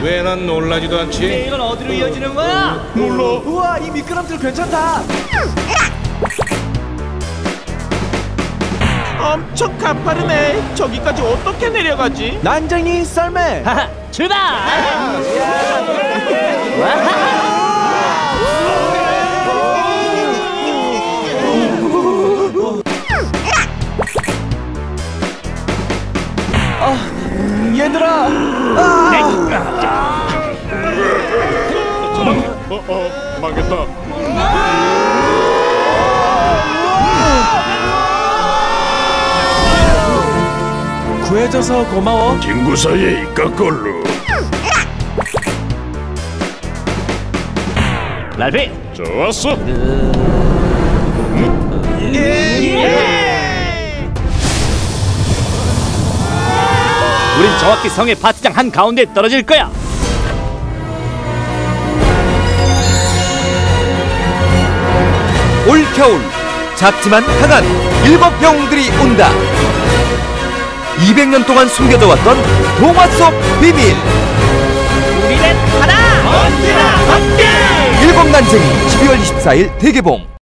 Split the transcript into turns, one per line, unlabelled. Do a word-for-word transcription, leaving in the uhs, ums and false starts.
왜 난 놀라지도 않지?
이건 어디로 이어지는 거야?
몰라.
우와, 이 미끄럼틀 괜찮다.
엄청 가파르네. 저기까지 어떻게 내려가지?
난쟁이 썰매. 하하, 출발. 아, 얘들아. 아!
어, 어, 망했다.
구해줘서 고마워.
친구 사이에 이까꼴로.
랄피.
좋았어.
우린 정확히 성의 파티장 한 가운데 떨어질 거야.
올겨울 작지만 강한 일곱 영웅들이 온다. 이백 년 동안 숨겨져 왔던 동화 속 비밀.
우리는 하나. 언제나 함께.
일곱 난쟁이 십이월 이십사일 대개봉.